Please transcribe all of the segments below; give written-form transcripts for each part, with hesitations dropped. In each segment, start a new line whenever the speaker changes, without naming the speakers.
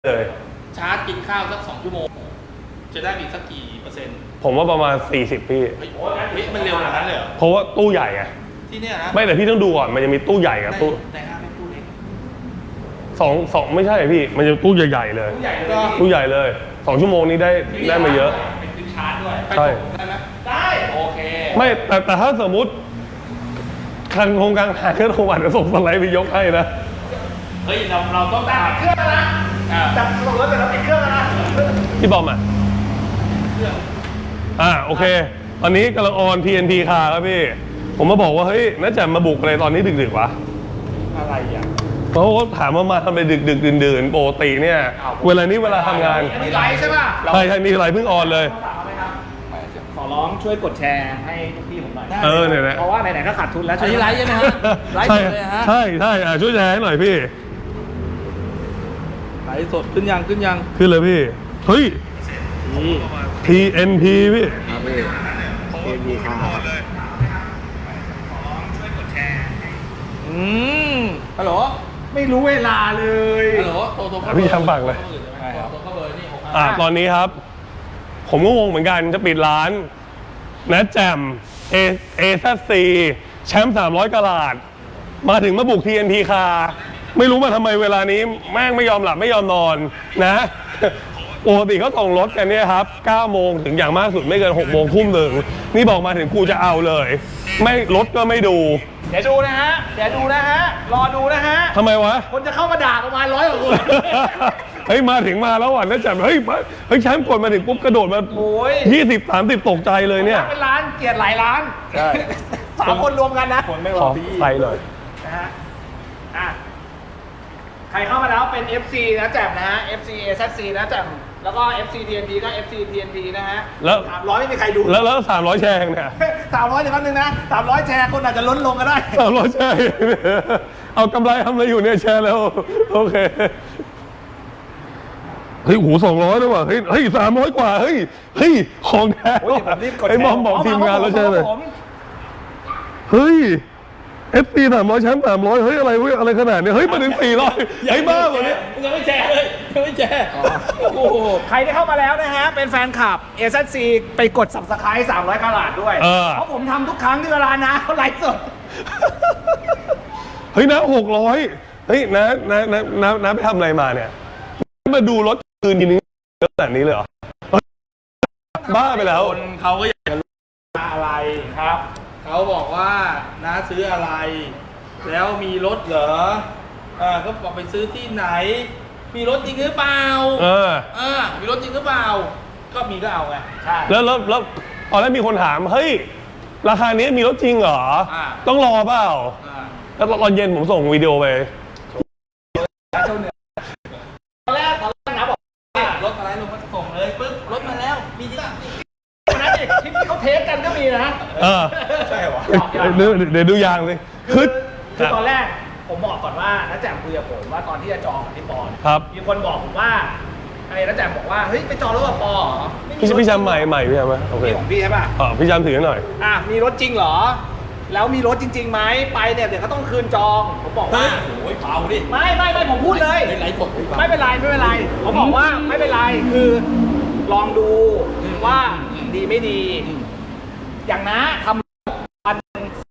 เลย
ชาร์จกินข้าวสัก2 ชั่วโมงจะได้อีกสักกี่เปอร์เซ็นต์
ผมว่าประมาณ40พี่
เฮ้ยมันเร็วขนาดนั้นเลยเหรอ
เพราะว่าตู้ใหญ่ไง
ที่เนี่ยนะ
ไม่แต่พี่ต้องดูก่อนมันจะมีตู้ใหญ่กับตู้
แต่ห้าไม่ตู้เล็ก
สองไม่ใช่พี่มันจะตู้ใหญ่ๆเลยตู้ใหญ่เลย2 ชั่วโมงนี้ได้มาเยอะ
เป็นซื้อชาร์จด้วย
ใช่
ได้ไหมได้โอเค
ไม่แต่ถ้าสมมุติคันโครงการหาเครื่องโทรศัพท์จะส่งสไลด์ไปยกให้นะ
เฮ้ยเราต้องตัดเครื่องนะจับส่งรถแต่เราปิดเครื่องนะ
พี่บอมอ่ะโอเคตอนนี้กำลังออน TNT คาครับพี่ผมมาบอกว่าเฮ้ยน่าจะมาบุกอะไรตอนนี้ดึกๆวะ
อะไรอ่ะ
เพราะว่าถามว่ามาทำไปดึกๆดื่นๆปกติเนี่ยเวลานี้เวลาทำงาน
มีไลฟ์ใช่ป่ะ
ใช่มีไลฟ์เพิ่งออนเลย
ขอร้องช่วยกดแชร์ให้ทุกพี่ผมหน่อย
เนี่ย
เพราะว่าไหนๆก็ขาดทุนแล้ว
ช่วยไลฟ์ใช่ไหมฮะไลฟ์เลยฮะ
ใช่ช่วยแชร์ให้หน่อยพี่
ไลฟ์สดขึ้นยังขึ้
เลยพี่เฮ้ย TNT พี่
TNT ค่ะ
ฮัลโหล
ไม่รู้เวลาเลย
ฮัลโหลโทร
พี่ทำปากเลยตอนนี้ครับผมก็งงเหมือนกันจะปิดร้านนะแจมAZC แชมป์300 กะรัตมาถึงมาบุก TNT คาไม่รู้มาทำไมเวลานี้แม่งไม่ยอมหลับไม่ยอมนอนนะปกติเขาส่งรถกันเนี่ยครับ9 โมงถึงอย่างมากสุดไม่เกิน6 โมงทุ่มหนึ่งนี่บอกมาถึงกูจะเอาเลยไม่รถก็ไม่ดู
เดี๋ยวดูนะฮะรอดูนะฮะ
ทำไมวะ
คนจะเข้ามาด่าประมาณ100 กว่าคน
เฮ้ยมาถึงมาแล้วอ่ะนะจับเฮ้ยแชมป์กดมาถึงปุ๊บกระโดดมา20-30ตกใจเลยเนี่ย
เป็นร้านเกียรติหลายร้านใช่3 คนรวมกันนะ
คนไม่รอพี่ใส่เลย
นะฮะใครเข้ามาแล้วเป็น FC นะแจ่มนะฮะ FC AZC นะแจ่มแล้วก็ FC TNT ก็ FC TNT นะฮะ
แล้ว
300ไม่มีใครดู
แล้ว300 แชร์เนี่ย
300เดี๋ยวแป๊บนึงนะ300แชร์คนอาจจะล้นลงก็ได้
300 แชร์เอากำไรทำอะไรอยู่เนี่ยแชร์แล้วโอเคเฮ้ยหู200ด้วยว่ะเฮ้ย300 กว่าเฮ้ยของแท้ไอ้บอมบอกทีมงานแล้วใช่ไหมเฮ้ยFP 300 แชมป์300เฮ้ยอะไรขนาดนี้เฮ้ยมาถึง400เฮ้ยบ้ากว่านี้
ยังไม่แชร์เลยยังไม่แชร์
โอ้โหใครที่เข้ามาแล้วนะฮะเป็นแฟนคลับ AZC ไปกด Subscribe 300 กะรัตด้วยเพราะผมทำทุกครั้งที่เวลานะเขาไลฟ์สด
เฮ้ยนะ600เฮ้ยนะไปทำอะไรมาเนี่ยมาดูรถคืนทีนึงขนาดนี้เลยเหรอบ้าไปแล้ว
คนเขาก็อยากจะรู้อะไรครับเขาบอกว่าน้าซื้ออะไรแล้วมีรถเหรอก็บอกไปซื้อที่ไหนมีรถจริงหรือเปล่ามีรถจริงหรือเปล่าก็มีก็เอาไง
ใช่แล้วตอนแรกมีคนถามเฮ้ยราคานี้มีรถจริงเหรอต้องรอเปล่าแล้วตอนเย็นผมส่งวิดีโอไป
ตอนแรกนะบอก
รถอะไรลงมาส่งเลยปึ๊บรถมาแล้วมีจริง
นะคลิปที่เขาเทสกันก็มีนะ
ใช่หรอ
เดี๋ยวดูยางสิ
คือตอนแรกผมบอกก่อนว่าน้าแจ่มคุยกับผมว่าตอนที่จะจองกับพี่ปอนมีคนบอกผมว่าไอ้น้าแจ่มบอกว่าเฮ้ยไปจองรถกับปอเหรอ
พี่จำใหม่พี่จำไหมโอเค
ของพี่ใช่ป่ะ
พี่จำถือหน่อย
มีรถจริงเหรอแล้วมีรถจริงๆไหมไปเนี่ยเดี๋ยวเขาต้องคืนจองผมบอกว่า
โอ้ยเปล่าดิ
ไม่ผมพูดเลยไม่เป็นไรผมบอกว่าไม่เป็นไรคือลองดูว่าดีไม่ดีอย่างนะทำวัน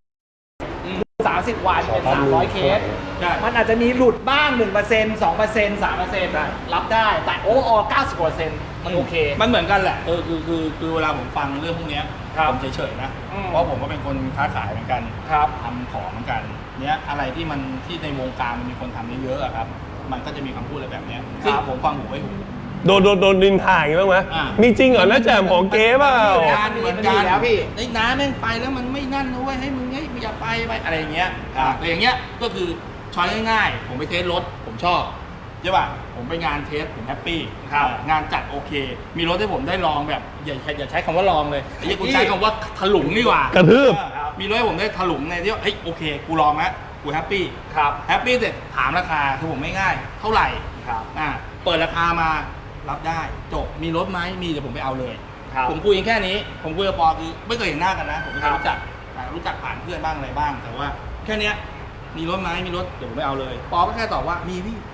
30 วันเป็น300 เคสมันอาจจะมีหลุดบ้าง 1% 2% 3% รับได้แต่โอ้90% มันโอเค
มันเหมือนกันแหละคือเวลาผมฟังเรื่องพวกนี้ผมเฉยๆนะเพราะผมก็เป็นคนค้าขายเหมือนกันทำของเหมือนกันเนี้ยอะไรที่ในวงการมันมีคนทำเยอะๆครับมันก็จะมีคำพูดอะไรแบบนี้ซึ่งผมฟังหูไว้หู
โดนดินถ่ายบ้างไหมมีจริงเหรอน้าแจ่มของเก๋เปล่า
เหมือนกันแล้วพี่ไอ้น้าแม่งไปแล้วมันไม่นั่นนะเว้ยให้มึงอย่าไปอะไรอย่างเงี้ยแต่อย่างเงี้ยก็คือช้อยง่ายๆผมไปเทสรถผมชอบใช่ป่ะผมไปงานเทสผมแฮปปี้งานจัดโอเคมีรถให้ผมได้ลองแบบอย่าใช้คำว่าลองเลยไอ้กูใช้คำว่าถลุงดีกว่าก
ระทืบ
มีรถให้ผมได้ถลุงในที่ว่าเฮ้ยโอเคกูลองแล้วกูแฮปปี้แฮปปี้เสร็จถามราคาคือผมไม่ง่ายเท่าไหร่เปิดราคามารับได้จบมีรถไหมมีเดี๋ยวผมไปเอาเลยผมคุยแค่นี้ผมคุยกับปอคือไม่เคยเห็นหน้ากันนะผมไม่เคยรู้จักผ่านเพื่อนบ้างอะไรบ้างแต่ว่าแค่นี้มีรถไหมมีรถเดี๋ยวผมไปเอาเลยปอก็แค่ตอบว่ามีพี่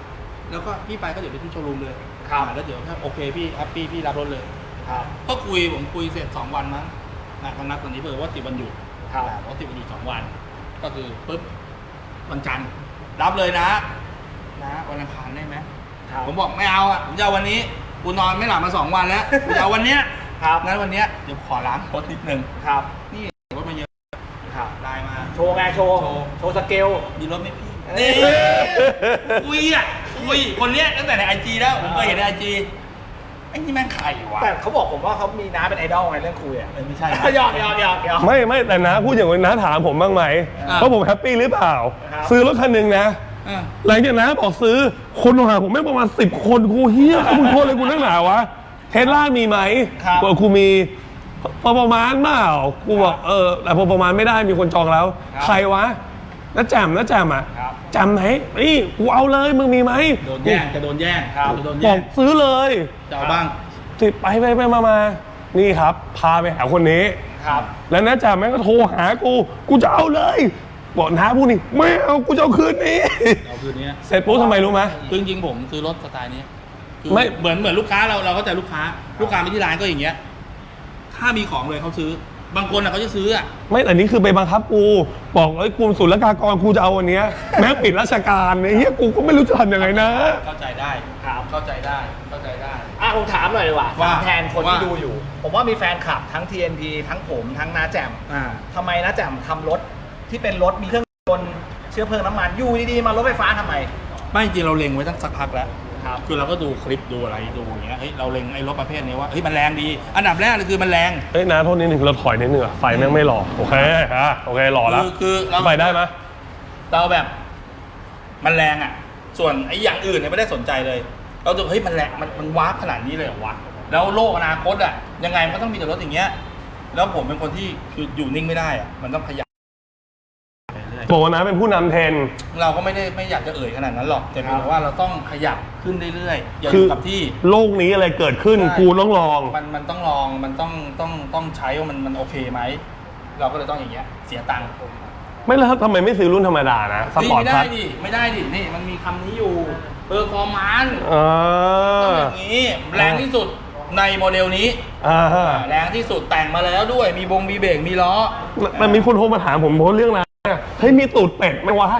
แล้วก็พี่ไปก็เดี๋ยวไปที่โชว์รูมเลย
ครับ
แล้วเดี๋ยวถ้าโอเคพี่แฮปปี้พี่รับรถเลย
ครับ
ก็ผมคุยเสร็จ2 วันมั้งเขานัดวันนี้เพื่อว่าติดวันหยุด
ครับ
ว่าติดวันหยุด2 วัน ก็คือปุ๊บวันจันทร์รับเลยนะวันอังคารได้ไหม
ครับ
ผมบอกไม่เอาอ่ะผมจะเอาวันนี้กูนอนไม่หลับมา2 วันแล้วกูจะเอาวันเนี้ย
ครับ
งั้นวันเนี้ยเดี๋ยวขอล้างรถนิดนึง
ครับ
นี่รถมาเยอะ
ครับ
ได้มา
โชว์ไงโชว์สเกล
มีรถไหมพี่
เอ้ย
นี่คุยคนเนี้ยตั้งแต่ในIG แล้วผมเคยเห็นในIG ไอ้นี่แม่งใครวะ
แต่เขาบอกผมว่าเขามีน้าเป็นไอดอลไงเรื่องคุยอ่ะ
ไม่ใช่
หยอก
ไม่แต่นะพูดอย่างนี้นะถามผมบ้างไหมว่าผมแฮปปี้หรือเปล่า
ครับ
ซื้อรถคันหนึ่งนะ หลังจากนั้นบอกซื้อคนโทรหาผมไม่ประมาณ10 คนกูเฮียมึงโทรเลยกูนั่งหนาวะเทสลามีไหมบอกกูมีพอประมาณเปล่ากูบอกแต่พอประมาณไม่ได้มีคนจองแล้ว ใครวะน้าแจ่มอ่ะจำไหมนี่กูเอาเลยมึงมีไหม
โดนแย่งจะโดนแย่ง
ครับ
จะโดน
บ
แย่
อง กซื้อเลย
จะเอาบ้าง
ติดไปมานี่ครับ พาไปหาคนนี้
ครับ
แล้วน้าแจ่มแม่งก็โทรหากูจะเอาเลยบอกน้าพูดนี่ไม่เอากูจะเอาคืนนี้
เอาคืนนี้
เสร็จปุ๊บทำไมรู้ไหม
คือจริงๆผมซื้อรถสไตล์นี้คือ
ไม่
เหมือนลูกค้าเราเข้าใจลูกค้าไปที่ร้านก็อย่างเงี้ยถ้ามีของเลยเขาซื้อบางคนเขาจะซื้ออ่ะ
ไม่แต่นี่คือไปบังคับกูบอกกลุ่มศุลกากรกูจะเอาวันเนี้ยแม้ปิดราชการเนี่ยเฮียกูก็ไม่รู้จะทำยังไงนะ
เข้าใจได้
ครับ
เข้าใจได้
ผมถามหน่อยดีกว่า
ว่า
ถามแทนคนที่ดูอยู่ ผมว่ามีแฟนคลับทั้ง TNP ทั้งผมทั้งน้าแจ่มทำไมน้าแจ่มทำรถที่เป็นรถมีเครื่องยนต์เชื้อเพลิงน้ำมันอยู่ดีๆมารถไฟฟ้าทำไม
ไม่จริงเราเล็งไว้ตั้งสักพักแล้ว
ครับ
คือเราก็ดูคลิปดูอะไรดูอย่างเงี้ยเฮ้ยเราเล็งไอ้รถประเภทนี้ว่าเฮ้ยมันแรงดี อันดับแรกเลยคือมันแรง
เฮ้ยน้าโทษนิดนึงเราถอยนิดนึงอะไฟแม่งไม่หล่อโอเคโอเคหล่อแล้ว
คือเรา
ไฟได้ไหม
เราแบบมันแรงอ่ะ ส่วนไอ้อย่างอื่นเนี่ยไม่ได้สนใจเลย เราดูเฮ้ยมันแรงมันวาร์ปขนาดนี้เลยเหรอวะแล้วโลกอนาคตอ่ะยังไงมันก็ต้องมีแต่รถอย่างเงี้ยแล้วผมเป็นคนที่คืออยู่นิ่งไม่ได้อ่ะมันต้องขยับไปเรื่อย
บอกว่าน้าเป็นผู้นำเทรนด์
เราก็ไม่อยากจะเอ่ยขนาดนั้นหรอกแต่เพียงแต่ว่าเราต้องขยับขึ้นเรื่อยๆอย่าอ
คื
ยู่กับที่
โลกนี้อะไรเกิดขึ้น
ใช่
กูต้องลอง
มันต้องลองมันต้องใช้ว่ามันโอเคไหมเราก็เลยต้องอย่างเงี้ยเสียตังค์
ไม่แล้วทำไมไม่ซื้อรุ่นธรรมดานะสปอร์ต
ไม่
พั
ได้
ท
ไม่ได้ดินี่มันมีคำนี้อยู่เปอร์ฟอร์มานซ์
อ่
ต้องอย่างนี้แรงที่สุดในโมเดลนี้
า
แรงที่สุดแต่งมาแล้วด้วยมีเบรกมีล้อ
มันมีคนโทรมาถามผมเพราะเรื่องนะเฮ้ยมีตูดเป็ดไหมวะ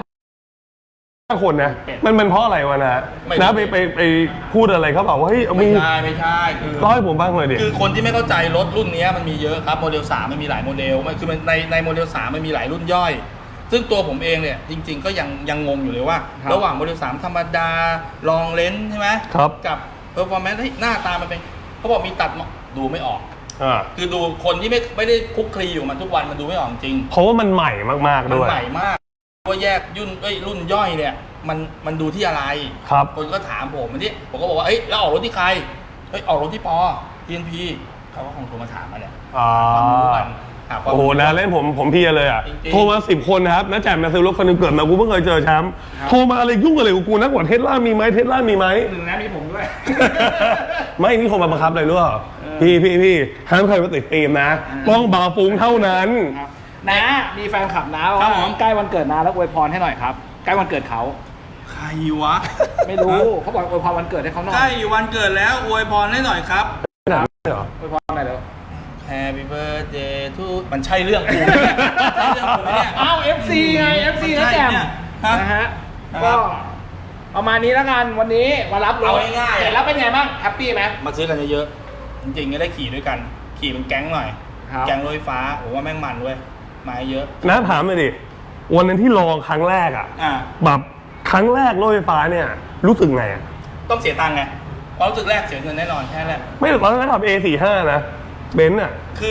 5 คนนะมันเพราะอะไรวะนะนะไปพูดอะไรเขาบอกว่าเฮ้ยเอา
ไม่
มี
ใช่คือ
เล่าให้ผมบ้างเลยดิ
คือคนที่ไม่เข้าใจรถรุ่นนี้มันมีเยอะครับโมเดล3มันมีหลายโมเดลมันคือในโมเดล3มันมีหลายรุ่นย่อย ซึ่งตัวผมเองเนี่ยจริง ๆ ก็ยังงงอยู่เลยว่า ระหว่างโมเดล3ธรรมดาลองเลนส์ใช่ไหม
ครับ
กับเพอร์ฟอร์แมนซ์หน้าตามันเป็นเขาบอกมีตัดดูไม่ออก
อ่า
คือดูคนที่ไม่ได้คลุกคลีอยู่มันทุกวันมันดูไม่ออกจริง
เพราะว่ามันใหม่มากๆ
มัน
ด้วย
ใหม่มากว่าแยกรุ่นย่อยเนี่ยมันดูที่อะไร
ครับ
คนก็ถามผมอันนี้ผมก็บอกว่าเอ้ยแล้วออกรถที่ใครเอ้ยออกรถที่ปอ TNP เขาก็คงโทรมาถามมาเนี่ย
อ่า
ความรู้กันหาความ
โอ้โห
รู้
นะเล่นผมเพียเลยอ่ะ
จริงๆ
โทรมา10 คนนะครับน้าแจ่มมาซื้อรถคันหนึงเกิดมากูเพิ่งเคยเจอแชมป์โทรมาอะไรยุ่งอะไรกับกูนักกว่าเทสลามีไหมเทสลามีไหม
หนึ่งนะมีผมด้วย
ไม่นี่โทรมาบังคับเลยรู้เปล่าพี่ห้ามใครมาติดฟิล์มนะต้องบาร์ฟุ้งเท่านั้น
นะมีแฟนคลับนะว่าใกล้วันเกิดนาแล้วอวยพรให้หน่อยครับใกล้วันเกิดเขา
ใครวะ
ไม่รู้เขาบอกอวยพรวันเกิดให้เขาหน่อย
ใกล้อยู่วันเกิดแล้วอวยพรให้หน่อยครับ
อวยพรหน่อยเร็ว
Happy birthday to มันใช่เรื่องกูไหมใช่เรื่องกูไหมเนี่ย
อ้าว FC ไง FC
มัน
นะ
ใช่
แจ่ม
เนี่ยฮะ
นะฮะ
ครับ
ก็ประมาณนี้แล้วกันวันนี้มารับรถ
เอาง่ายๆ
เห็นแล้วเป็นไงบ้างแฮปปี้ไหม
มาซื้อกันเยอะๆจริงๆก็ได้ขี่ด้วยกัน ขี่เป็นแก๊งหน่อย
ครับ
แก๊งรถไฟฟ้าผมว่าแม่งมันเว้ยมาเยอะ
น้าถามเลยดิวันนั้นที่ลองครั้งแรกอ่ะ
อ่า
แบบครั้งแรกรถไฟฟ้าเนี่ยรู้สึกไงอ่ะ
ต้องเสียตังค์ไงความรู้สึกแรกเสียเงินแน่นอนแค่แรก
ไม่ตอนนั้นทำ A45 นะเบนซ์อ่ะ
คือ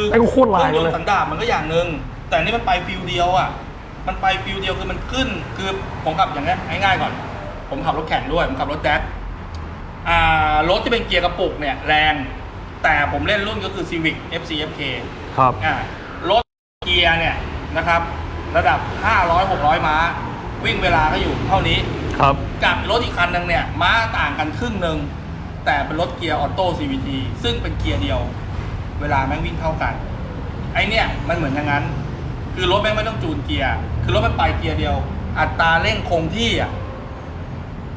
ไอ้ก็โคตรลาย
เครื่องยน
เลย
ต์สันดาปมันก็อย่างหนึ่งแต่อันนี่มันไปฟิลเดียวอ่ะมันไปฟิลเดียวคือมันขึ้นคือผมขับอย่างนี้ง่ายๆก่อน ผมขับรถแข่งด้วยผมขับรถแดกรถที่เป็นเกียร์กระปุกเนี่ยแรงแต่ผมเล่นรุ่นก็คือ Civic FCFK
ครับ
รถเกียร์เนี่ยนะครับระดับ 500-600 ม้าวิ่งเวลาก็อยู่เท่านี้
ครับ
กับรถอีกคันนึงเนี่ยม้าต่างกันครึ่งหนึ่งแต่เป็นรถเกียร์ออโต้ CVT ซึ่งเป็นเกียร์เดียวเวลาแม่งวิ่งเท่ากันไอเนี่ยมันเหมือนอย่างนั้นคือรถแม่งไม่ต้องจูนเกียร์คือรถมันไปเกียร์เดียว อัตราเร่งคงที่อ่ะ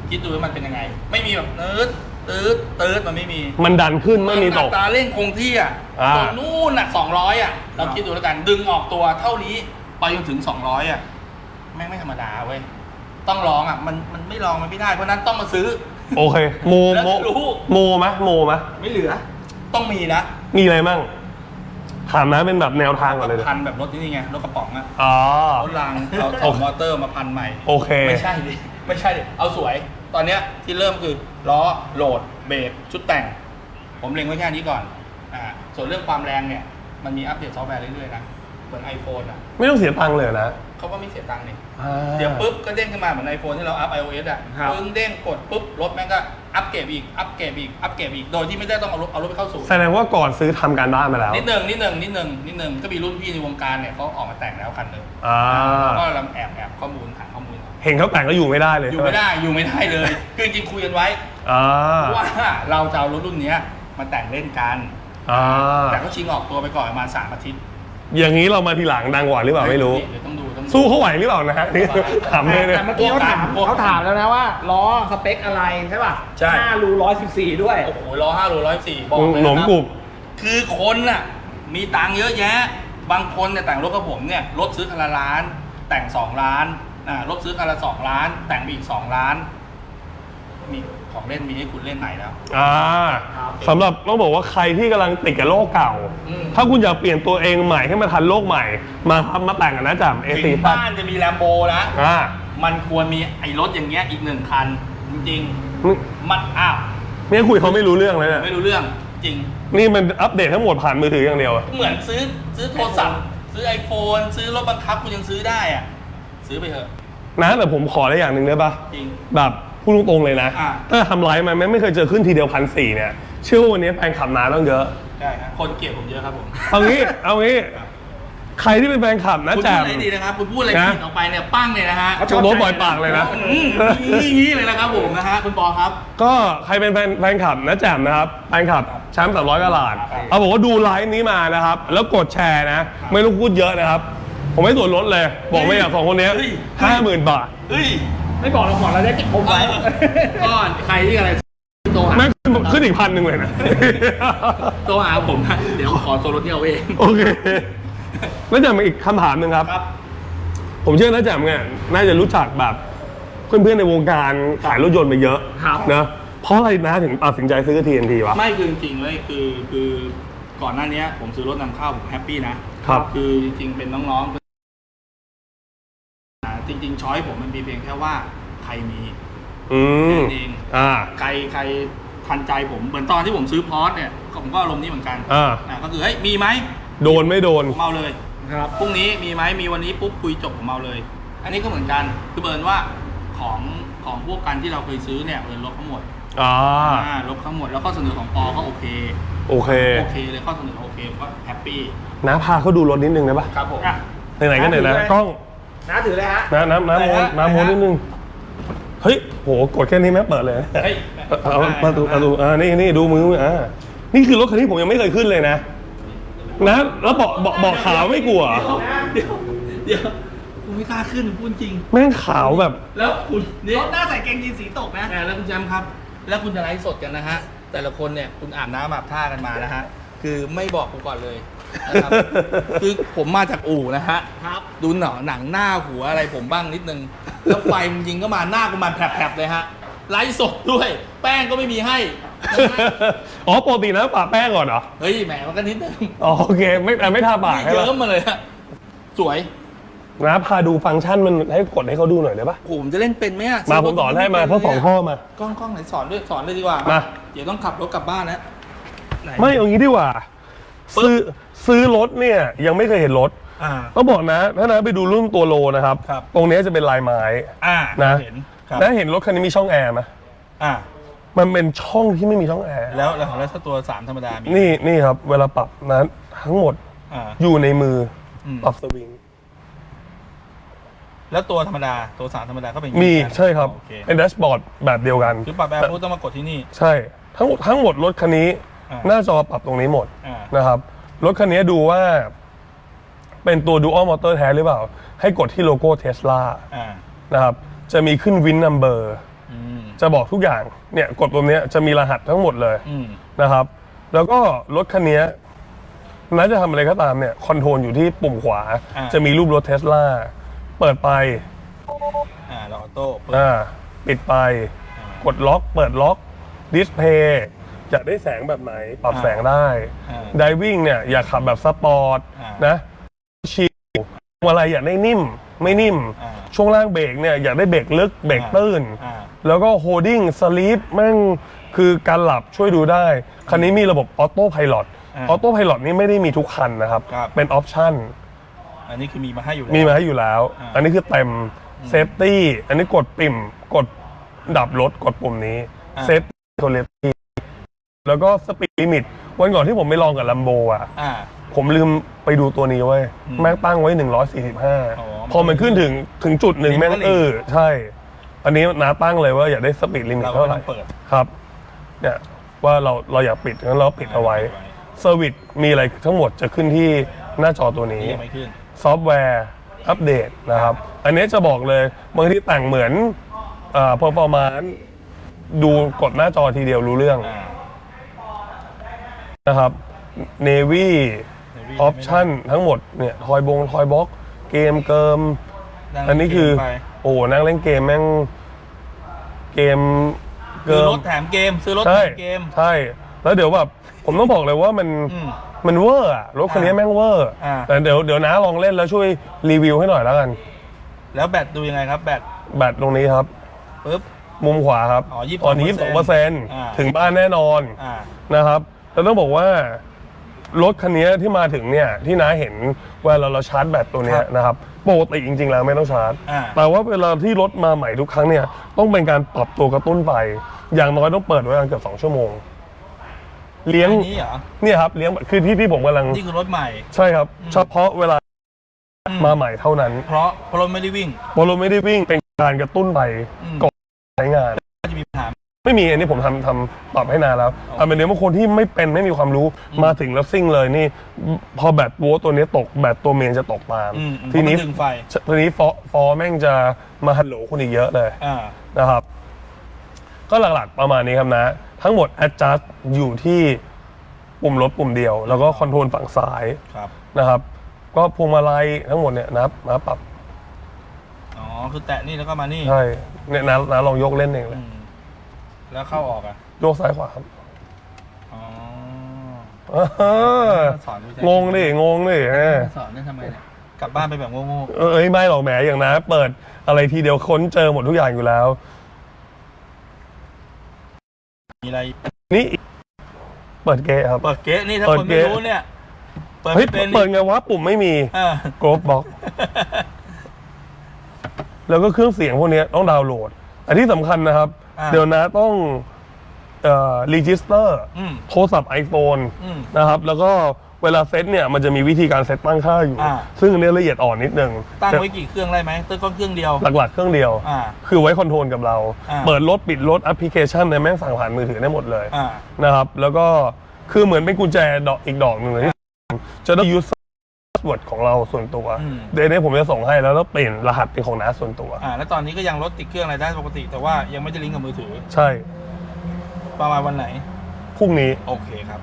คิดดูว่ามันเป็นยังไง ไม่มีแบบตืดมันไม่มี
มันดันขึ้นไม่มีตก
อัตราเร่งคงที่อ่ะ
อ่า
ตรงนู่นอ่ะ200อ่ะเราคิดดูแล้วกันดึงออกตัวเท่านี้ไปจนถึง200อ่ะแม่งไม่ธรรมดาเว้ยต้องลองอ่ะมันไม่ลองมันไม่ได้เพราะนั้นต้องมาซื้อ
โอเคโม
แล้วรู้
โมไหม
ไม่เหลือ
ต้องมีนะ
มีอะไรมั่งถามนะเป็นแบบแนวทางก่อนเลย
พันแบบรถนี่ไงรถกระป๋องอ่ะ
อ๋อ
รถรางเอาถอดมอเตอร์มาพันใหม่
โอเค
ไม่ใช่ดิไม่ใช่ดิเอาสวย ตอนเนี้ยที่เริ่มคือล้อโหลดเบรกชุดแต่ง ผมเล็งไว้แค่นี้ก่อนส่วนเรื่องความแรงเนี่ยมันมีอัปเดตซอฟต์แวร์เรื่อยๆนะเหมือน iPhone อ่ะ
ไม่ต้องเสียตังค์เลยนะ
เขาก็ไม่เสียตังค์นี่
อ่า
เดี๋ยวปุ๊บก็เด้งขึ้นมาเหมือน iPhone ที่เราอัพ iOS อ่ะ
ครับ
ปึ้งเด้งกดปุ๊บรถแม่งก็อัปเกรดอีกอัปเกรดอีกอัปเกรดอีกโดยที่ไม่ได้ต้องเอารถไปเข้าศูนย์
แสดงว่าก่อนซื้อทำการบ้านมาแล้ว
นิดนึงก็มีรุ่นพี่ในวงการเนี่ยเขาออกมาแต่งแล้วคันหนึ่ง
อ่า
ก็ลำแอบข้อมูลถามข้อมูล
เห็นเขาแต่งก็อยู่ไม่ได้เลย
อยู่ไม่ได้เลยคือจริงๆคุยกันไว้
อ่า
ว่าเราจะเอารถรุ่นเนี้ยมาแต่งเล่นกัน
อ่า
แต่ก็ชิงออกตัวไปก่อนประมาณ3 อาทิตย์
อย่างนี้เรามาทีหลังดังกว่าหรือเปล่าไม่รู้
เดี๋ยวต้องดู
สู้เขาไหวหรือเปล่านะฮะนี่ถามเลยเนี่ย
แต่เมื่อกี้เขาถามแล้วนะว่าล้อสเปคอะไรใช่ป่ะ
ใช่
5 รู 114 ด้วย
โอ้โหล้อ5 โล 104บอกเลย
หนม
นะ
กรุบ
คือคนน่ะมีตังค์เยอะแยะ บางคนเนี่ยแต่งรถกับผมเนี่ยรถซื้อคันละล้าน แต่ง2 ล้านรถซื้อคันละ2 ล้าน แต่งไปอีก2 ล้าน มีของเล่นมีให้คุณเล่นไหนแล้ว
อ่าสำหรับต้องบอกว่าใครที่กำลังติดกับโลกเก่า
อืม
ถ้าคุณอยากเปลี่ยนตัวเองใหม่ให้มาทันโลกใหม่ มาครับมาแต่งกันนะจ๊ะ
ถึ
A4
งบ้านจะมีแลมโบนะ
อ่า
มันควรมีไอ้รถอย่างเงี้ยอีก1 คัน จริง
นี่
ๆมันอ้าว
เนี่ยคุยเขาไม่รู้เรื่องเลยเนี่ย
ไม่รู้เรื่องจริง
นี่มันอัปเดตทั้งหมดผ่านมือถืออย่างเดียวอะ
เหมือนซื้อโทรศัพท์ซื้อ iPhone ซื้อรถบังคับคุณยังซื้อได้อ่ะซื้อไปเถอะ
นะแต่ผมขอได้อย่างหนึ่งได้ปะ
จริง
แบบพูดตรงๆเลยนะ
อ่า
ถ้าทำไลฟ์มาไม่เคยเจอขึ้นทีเดียว1,400เนี่ยเชื่อว่าวันนี้แฟนขับน้าต้องเยอะ
ใช่ครับคนเกลียดผมเยอะครับผม
เอางี้ใครที่เป็นแฟนคลับนะ
คุณ
แจ
พูด
ม
อะไรดีนะครับคุณพูดอะไร
นะ
ผิดออกไปเนี่ยปั้งเลยนะฮะ
เขาชอบ
โดนปล่อยปากเลยนะ
นี่เลยนะครับผมนะฮะคุณปอครับ
ก็ใครเป็นแฟนคลับนะแจมนะครับแฟนคลับแชมป์300กะหลาดเอาบอกว่าดูไลฟ์นี้มานะครับแล้วกดแชร์นะ ไม่ต้องพูดเยอะนะครับ ผมให้ส่วนลดเลย บอกไม่อยากสองคนนี้
เฮ้ย
50,000 บาท
เฮ้ย
ไม่บอกเราก่อนเราจะเก็บผมไว้
ก้อนใครที่อะไรโทรหา
แม่งขึ้นอีก1,000เลยนะ
โทรหาผมนะเดี๋ยวขอโซนรถที่เอาเอง
โอเคแล้วแจมอีกคำถามหนึ่งครับ
ครับ
ผมเชื่อนะแจมเนี่ยน่าจะรู้จักแบบเพื่อนๆในวงการขายรถยนต์มาเยอะ
ครับ
นะเพราะอะไรนะถึงตัดสินใจซื้อ TNT วะ
ไม่คือจริงๆเลยคือก่อนหน้านี้ผมซื้อรถนำเข้าผมแฮปปี้นะครับ คือจริงๆเป็นน้องๆจริงๆช้อยผมมันมีเพียงแค่ว่าใครมี
อืม
เอง
อ่า
ใครทันใจผมเหมือนตอนที่ผมซื้อพอร์ตเนี่ยผมก็อารมณ์นี้เหมือนกัน
อ่า
ก็คือเฮ้ยมีไหม
โดนไม่โดน
ผมเอาเลย
ครับ
พรุ่งนี้มีไหมมีวันนี้ปุ๊บคุยจบผมเอาเลย อันนี้ก็เหมือนกันคือเบิร์นว่าของพวกกันที่เราเคยซื้อเนี่ยเบิร์นลบทั้งหมด
อ่า
ลบทั้งหมดแล้วข้อเสนอของปอก็โอเค
โอเค
โอเคเลยข้อเสนอโอเคผมก็แฮปปี้
นะพาเขาดูรถนิดนึงได้ปะ
ครับผม
อ่ะ
ไหนๆก็ไหนๆ
ถือเลย
กล้อง
น้าถือเลยฮะ
น้ำโมนน้ำโมนนิดนึง เฮ้ย โห กดแค่นี้แม่เปิดเลย
เฮ้ย
เอาประตูนี่ดูมือนี่คือรถคันนี้ผมยังไม่เคยขึ้นเลยนะ นะแล้วบอกขาวไม่กลัว
เดี๋ยวคุณไม่กล้าขึ้นพูดจริง
แม่งขาวแบบ
แล้วคุณนี่
รถหน้าใส่เกงยีนสีตกนะ
แล้วคุณแจมครับ แล้วคุณจะไลฟ์สดกันนะฮะแต่ละคนเนี่ยคุณอาบน้ำอาบท่ากันมานะฮะคือไม่บอกผมก่อนเลยนะครับ คือผมมาจากอู่นะฮะ
ครับ
ดูหนังหน้าหัวอะไรผมบ้างนิดนึง แล้วไฟมันยิงก็มาหน้ากูมันแผลบๆเลยฮะไลฟ์สดด้วย แป้งก็ไม่มีให้นะฮะ
อ๋อปกตินะปะแป้งก่อนเหรอ
เฮ้ยแหมมันก็นิดนึง
อ๋อโอเคไม่ทาปากใช่
เย
ไหม
อะมาเลยฮะสวย
นะพาดูฟังก์ชันมันให้กดให้เขาดูหน่อยได้ปะ
ผมจะเล่นเป็นไหมอะ
มาผมสอนให้มาทั้งสองข้อมา
กล้องไหนสอนด้วยสอนเลยดีกว่า
มา
เดี๋ยวต้องขับรถกลับบ้านนะไหน
ไม่เอางี้ดีกว่า
ปึ๊บ
ซื้อรถเนี่ยยังไม่เคยเห็นรถ
อ่า
ต้องบอกนะถ้านะไปดูรุ่นตัวโลนะครับ
ครับ
ตรงนี้จะเป็นลายไม้ นะ
เห็นครับ
นะเห็นรถคันนี้มีช่องแอร์ไหม
อ่า
มันเป็นช่องที่ไม่มีช่องแอร์
แล้วถ้าตัว3ธรรมดามี
นี่ครับ เวลาปรับนะทั้งหมด
อ่า
อยู่ในมืออ
ม
ปรับสวิง
แล้วตัวธรรมดาตัว3ธรรมดาก็เป็น
มี
อย่างนี้
ใช่ครับ
โอเค
เป็นแดชบอร์ดแบบเดียวกัน
คือปรับแบบปุ๊บต้องมากดที่นี่
ใช่ทั้งหมดรถคันนี้
อ่า
หน้าจอปรับตรงนี้หมด
อ่า
นะครับรถคันนี้ดูว่า เป็นตัว Dual Motor แท้หรือเปล่า ให้กดที่โลโก้ Tesla
อ่า
นะครับจะมีขึ้นวินนัมเบอร์จะบอกทุกอย่างเนี่ยกดตรงนี้จะมีรหัสทั้งหมดเลยนะครับ แล้วก็รถคันนี้น่าจะทำอะไรก็ตามเนี่ยคอนโทรลอยู่ที่ปุ่มขวาจะมีรูปรถเทสลาเปิดไป
ออโต้
ปิดไปกดล็อกเปิดล็อกดิสเพย์จะได้แสงแบบไหนปรับแสงได้ไดวิ่งเนี่ยอยากขับแบบสปอร์ตนะชิลอะไรอยากได้นิ่มไม่นิ่มช่วงล่างเบรกเนี่ยอยากได้เบรกลึกเบรกตื้นแล้วก็โฮลดิ้งสลีปแม่งคือการหลับช่วยดูได้คันนี้มีระบบออโต้ไพลอตออโต้ไพลอตนี่ไม่ได้มีทุกคันนะครับเป็นออปชั่น
อันนี้คือมีมาให้อยู่
แล้ว อันนี้คือเต็มเซฟตี้อันนี้กดปิ่มกดดับรถกดปุ่มนี้เซฟตี้โทเลตี้แล้วก็สปีดลิมิตวันก่อนที่ผมไปลองกับลัมโบผมลืมไปดูตัวนี้ไว้แม่งตั้งไว้145พอมันขึ้นถึงจุดหนึ่งแม่งใช่อันนี้น้าตั้งเลยว่าอยากได้สปีดลิมิตเท่าไหร่ครับเนี่ยว่าเราอยากปิดงั้นเราปิดเอาไว้เซอร์วิสมีอะไรทั้งหมดจะขึ้นที่หน้าจอตัวนี้ซอฟต์แวร์อัปเดตนะครับอันนี้จะบอกเลยบางทีแต่งเหมือนพอประมาณดูกดหน้าจอทีเดียวรู้เรื่องนะครับ Navy ออปชั่นทั้งหมดเนี่ยทอยบ็อกเกมเกิมอันนี้คือโอ้นั่งเล่นเกมแม่งเกม
เกิมรถแถมเกมซื้อรถแถมเกม
ใช่แล้วเดี๋ยวแบบผมต้องบอกเลยว่ามันเวอร์อะรถคันนี้แม่งเวอร์แต่เดี๋ยวน้าลองเล่นแล้วช่วยรีวิวให้หน่อยแล้วกัน
แล้วแบตดูยังไงครับแบต
ตรงนี้ครับ
ปึ๊บ
มุมขวาครับตอนนี้22%ถึงบ้านแน่นอนนะครับแล้วต้องบอกว่ารถคันนี้ที่มาถึงเนี่ยที่น้าเห็นเวลาเราชาร์จแบตตัวนี้นะครับปกติจริงๆแล้วไม่ต้องชาร์จแต่ว่าเวลาที่รถมาใหม่ทุกครั้งเนี่ยต้องเป็นการปรับตัวกระตุ้นไปอย่างน้อยต้องเปิดไว้เกือบ2 ชั่วโมงเลี้ยงเนี่ยครับเลี้ยงคือที่ผมกำลัง
นี่คือรถใหม่
ใช่ครับเฉพาะเวลามาใหม่เท่านั้น
เพราะรถไม่ได้วิ่ง
เป็นการกระตุ้นไปก่อนใช้งาน
จะมีปัญหา
ไม่มีอันนี้ผมทำปรับให้นานแล้วเป็นเรื่องบางคนที่ไม่มีความรู้มาถึงแล้วซิ่งเลยนี่พอแบตตัวนี้ตกแบตตัวเมนจะตกตามทีนี้ฟอแม่งจะมาฮัลโหลคุณอีกเยอะเลยนะครับก็หลักๆประมาณนี้ครับนะทั้งหมด adjust อยู่ที่ปุ่มรถปุ่มเดียวแล้วก็คอนโทรลฝั่งซ้ายนะครับก็พวงมาลัยทั้งหมดเนี่ยนะปรับ
คือแตะนี่แล้วก็มานี่
ใช่เนี่ยนะลองยกเล่นเองเลย
แล้วเข้าออกอะ
โยกซ้ายขวาครับ
สอน
งงดิ
สอนได้ทำไมเนี่ยกลับบ้านไปแบบโง่
ไม่หรอกแหมอย่างนะเปิดอะไรทีเดียวค้นเจอหมดทุกอย่างอยู่แล้ว
มีอะไร
นี่เปิดเกะครับ
เปิดเกะนี่ถ้าคนไม่รู้เนี่ย
เปิดไงวะปุ่มไม่มีโกลบล็อกแล้วก็เครื่องเสียงพวกนี้ต้องดาวน์โหลดอันที่สำคัญนะครับเดี๋ยวนะต้องรีจิสเตอร์โทรศัพท์ iPhone นะครับแล้วก็เวลาเซตเนี่ยมันจะมีวิธีการเซตตั้งค่าอยู่ซึ่งอันนี้ละเอียดอ่อนนิดนึง
ตั้งไว้กี่เครื่องได้ไหมตั้งเครื่องเดียว
หลักๆเครื่องเดียวคือไว้คอนโทรลกับเราเปิดรถปิดรถแอปพลิเคชันในแม่งสั่งผ่านมือถือได้หมดเลยนะครับแล้วก็คือเหมือนเป็นกุญแจอีกดอกหนึ่งเลยที่จะได้ยูสพาสเวิร์ดของเราส่วนตัวเดี๋ยวนี้ผมจะส่งให้แล้วเปลี่ยนรหัสเป็นของน้าส่วนตัว
แล้วตอนนี้ก็ยังรถติดเครื่องอะไรได้ปกติแต่ว่ายังไม่ได้ลิงก์กับมือถือ
ใช่
ประมาณวันไหน
พรุ่งนี้
โอเคครับ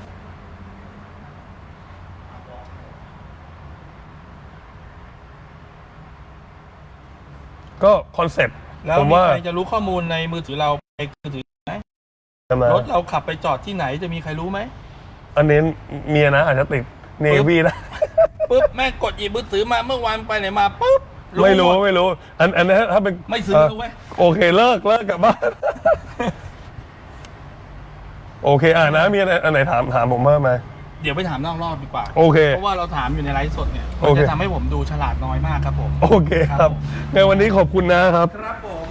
ก็คอนเซ็ปต์
แล้วมีใครจะรู้ข้อมูลในมือถือเราในมือถือไหมรถเราขับไปจอดที่ไหนจะมีใครรู้ไหม
อันนี้เมียนะอาจจะติดเนวีนะ
ปุ๊บแม่กดหยิบมือถือมาเมื่อวานไปไหนมาปุ๊บ
ไม่รู้อันนี้ถ้าเป็น
ไม่ซื้อรู้ไหม
โอเคเลิกกลับบ้านโอเคนะมีอันไหนถามผมเพิ่มไหม
เดี๋ยวไปถามนอกรอบดีกว่า
โอเค
เพราะว่าเราถามอยู่ในไลฟ์สดเนี่ยมันจะทำให้ผมดูฉลาดน้อยมากครับผม
โอเคครับในวันนี้ขอบคุณนะครับ
ครับผม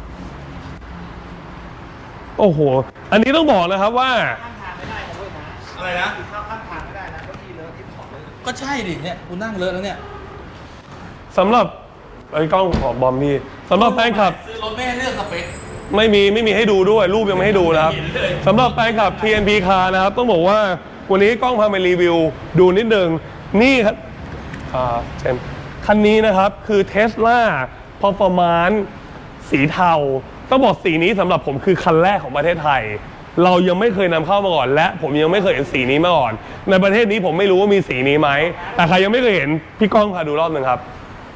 โอ้โหอันนี้ต้องบอกนะครับว่า
อะไรนะข้ามทางไม่ได้นะก็ที่เลอะที่ของเลยก็ใช่ดิเนี่ยกูนั่งเลอะแล้วเนี่ย
สำหรับไอ้กล้องของบอมพี่สำหรับแฟนคลับ
ซื้อรถไม่ให้เลือกสเปค
ไม่มีให้ดูด้วยรูปยังไม่ให้ดูนะครับสำหรับแฟนคลับ TNP Car นะครับต้องบอกว่าวันนี้กล้องพาไปรีวิวดูนิดนึงนี่ครับเช่นคันนี้นะครับคือ Tesla Performance สีเทาต้องบอกสีนี้สำหรับผมคือคันแรกของประเทศไทย เรายังไม่เคยนำเข้ามาก่อนและผมยังไม่เคยเห็นสีนี้มาก่อนในประเทศนี้ผมไม่รู้ว่ามีสีนี้ไหมแต่ใครยังไม่เคยเห็นพี่ก้องพาดูรอบหนึ่งครับ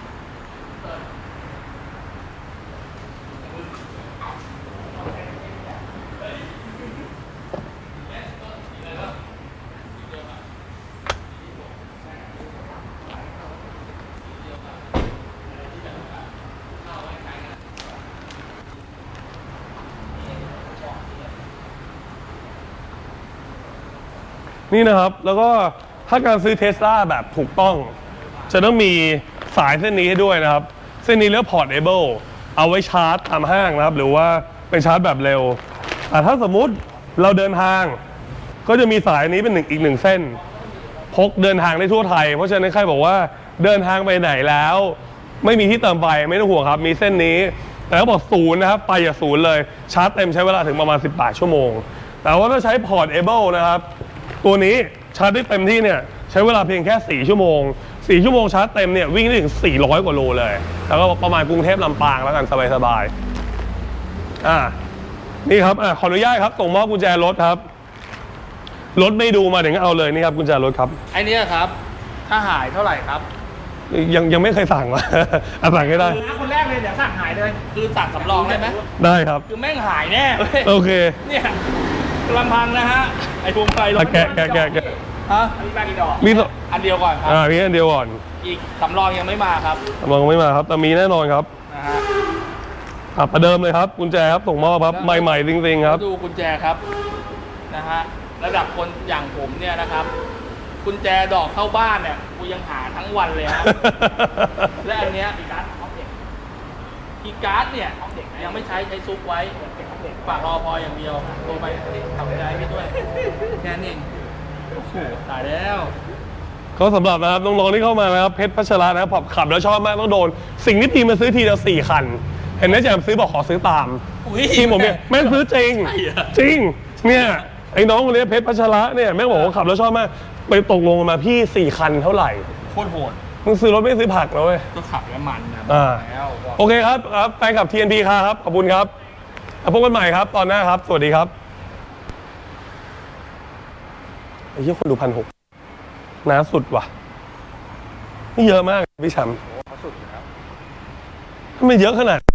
นี่นะครับแล้วก็ถ้าการซื้อเทสลาแบบถูกต้องจะต้องมีสายเส้นนี้ให้ด้วยนะครับเส้นนี้เรียกพอร์ตเอเบิลเอาไว้ชาร์จตามห้างนะครับหรือว่าเป็นชาร์จแบบเร็วแต่ถ้าสมมุติเราเดินทางก็จะมีสายนี้เป็นอีกหนึ่งเส้นพกเดินทางได้ทั่วไทยเพราะฉะนั้นใครบอกว่าเดินทางไปไหนแล้วไม่มีที่เติมไฟไม่ต้องห่วงครับมีเส้นนี้แต่เขาบอกศูนย์นะครับไปอย่าศูนย์เลยชาร์จเต็มใช้เวลาถึงประมาณ18 ชั่วโมงแต่ว่าถ้าใช้พอร์ตเอเบิลนะครับตัวนี้ชาร์จได้เต็มที่เนี่ยใช้เวลาเพียงแค่4 ชั่วโมง4 ชั่วโมงชาร์จเต็มเนี่ยวิ่งได้ถึง400 กว่าโลเลยแล้วก็ประมาณกรุงเทพลำปางแล้วกันสบายๆนี่ครับขออนุญาตครับส่งมอบกุญแจรถครับรถไม่ดูมาถึงเอาเลยนี่ครับกุญแจรถครับ
ไอเนี้ยครับถ้าหายเท่าไหร่ครับ
ยังไม่เคยสั่งมา สั่งให้ได้
คือคนแรกเลยเดี๋ยวสั่งหายเลย
คือสั่งสำรองได้ไหม
ได้ครับ
คือแม่งหายแน่เว้ย
โอเค
เนี่ยลำพังนะฮะไอพวงไฟรถ
แกะ
ฮะ
อันนี้แบกกี่ดอก
มี
อันเดียวก่อนครับ
มีอันเดียวก่อน
อีกสำรองยังไม่มาครับ
มองไม่มาครับแต่มีแน่นอนครับ
นะฮะ
ประเดิมเลยครับกุญแจครับส่งมอบครับใหม่ๆจริงๆครับ
ดูกุญแจครับนะฮะระดับคนอย่างผมเนี่ยนะครับกุญแจดอกเข้าบ้านเนี่ยกูยังหาทั้งวันเลยฮะ และอันเนี้ยคีย์การ์ดของเด็กคีย์การ์ดเนี่ยของเด็กยังไม่ใช้ซุกไว้ฝากรอพออย่างเดียวโทรไปทำใจพี่ด้วยแค่นั้นเองโอ้โหตายแล้ว
ก็สำหรับนะครับน้องๆที่เข้ามานะครับเพชรพัชระนะครับผมขับแล้วชอบมากต้องโดนสิ่งที่ทีมมาซื้อทีเดียว4 คันเห็นไหมแจมซื้อบอกขอซื้อตาม
อุ๊ย
ทีมผมเนี่ยแม่งซื้อจริง
ใช่เหรอ
จริงเนี่ยไอ้น้องคนนี้เพชรพัชระเนี่ยแม่งบอกว่าขับแล้วชอบมากไปตกลงกันมาพี่4 คันเท่าไหร่
โคตรโหด
มึงซื้อรถไม่ซื้อผักนะเว้ย
ก็ขับแล้วมันนะ แล้ว
โอเคครับแฟนคลับ TNP ครับขอบคุณครับพบกันใหม่ครับตอนหน้าครับสวัสดีครับไอ้เหี้ยคนดู1,600น้าสุดว่ะนี่เยอะมากพี่แชมป์ทำไมเยอะขนาด